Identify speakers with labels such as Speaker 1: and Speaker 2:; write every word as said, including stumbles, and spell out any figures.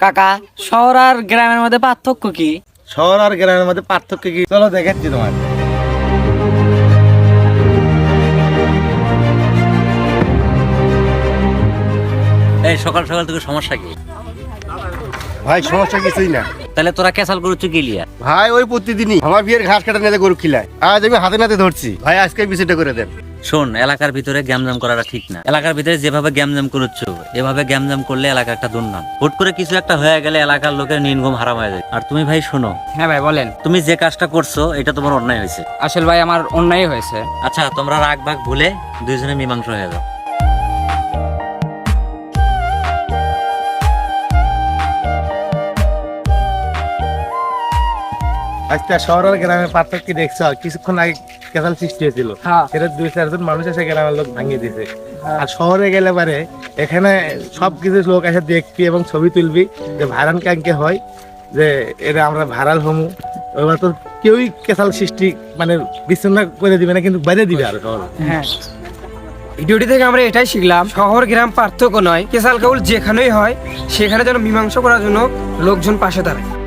Speaker 1: কাকা, শহর আর গ্রামের মধ্যে পার্থক্য কি?
Speaker 2: শহর আর গ্রামের মধ্যে পার্থক্য কি চলো দেখাচ্ছি তোমার।
Speaker 3: এই সকাল সকাল তোকে সমস্যা কি?
Speaker 2: ভাই সমস্যা কিছুই না।
Speaker 3: তাহলে তোরা ক্যাসাল করছো গেলিয়া?
Speaker 2: ভাই ওই প্রতিদিনই আমার বিয়ের ঘাস কাটা নিয়ে গরু খিলায়, আজ আমি হাতে নাতে ধরছি। ভাই আজকে বিষয়টা করে দেন।
Speaker 3: শোন, এলাকার ভিতরে গ্যামজাম করাটা ঠিক না। এলাকার ভিতরে যেভাবে গ্যামজাম করছো এভাবে গ্যামজাম করলে এলাকা একটা দুর্নাম। হুট করে কিছু একটা হয়ে গেলে এলাকার লোকের নির্গম হারাম হয়ে যায়। আর তুমি ভাই শোনো,
Speaker 1: হ্যাঁ ভাই বলেন।
Speaker 3: তুমি যে কাজটা করছো এটা তোমার অন্যায় হয়েছে।
Speaker 1: আসল ভাই আমার অন্যায় হয়েছে।
Speaker 3: আচ্ছা, তোমরা রাগ ভাগ ভুলে দুইজনে মীমাংস হয়ে যাও।
Speaker 2: আজকে শহর আর গ্রামের পার্থক্য দেখছো, কিছুক্ষণ আগে কেসাল সৃষ্টি হয়েছিল,
Speaker 1: হ্যাঁ।
Speaker 2: সেটা দুই চারজন মানুষ এসে গ্রামের লোক ভাঙিয়ে দিয়েছে। আর শহরে গেলে পারে এখানে সবকিছু লোক এসে দেখবি এবং ছবি তুলবি, যে ভাইরাল কাঙ্কে হয় যে এটা আমরা ভাইরাল হমু। এবার তো কেউই কেসাল সৃষ্টি মানে বিচ্ছিন্ন করে দিবে না, কিন্তু বাইরে দিবে আর শহর।
Speaker 1: হ্যাঁ, ভিডিওটি থেকে আমরা এটাই শিখলাম, শহর গ্রাম পার্থক্য নয়, কেসাল কাউল যেখানেই হয় সেখানে যেন মীমাংসা করার জন্য লোকজন পাশে দাঁড়ায়।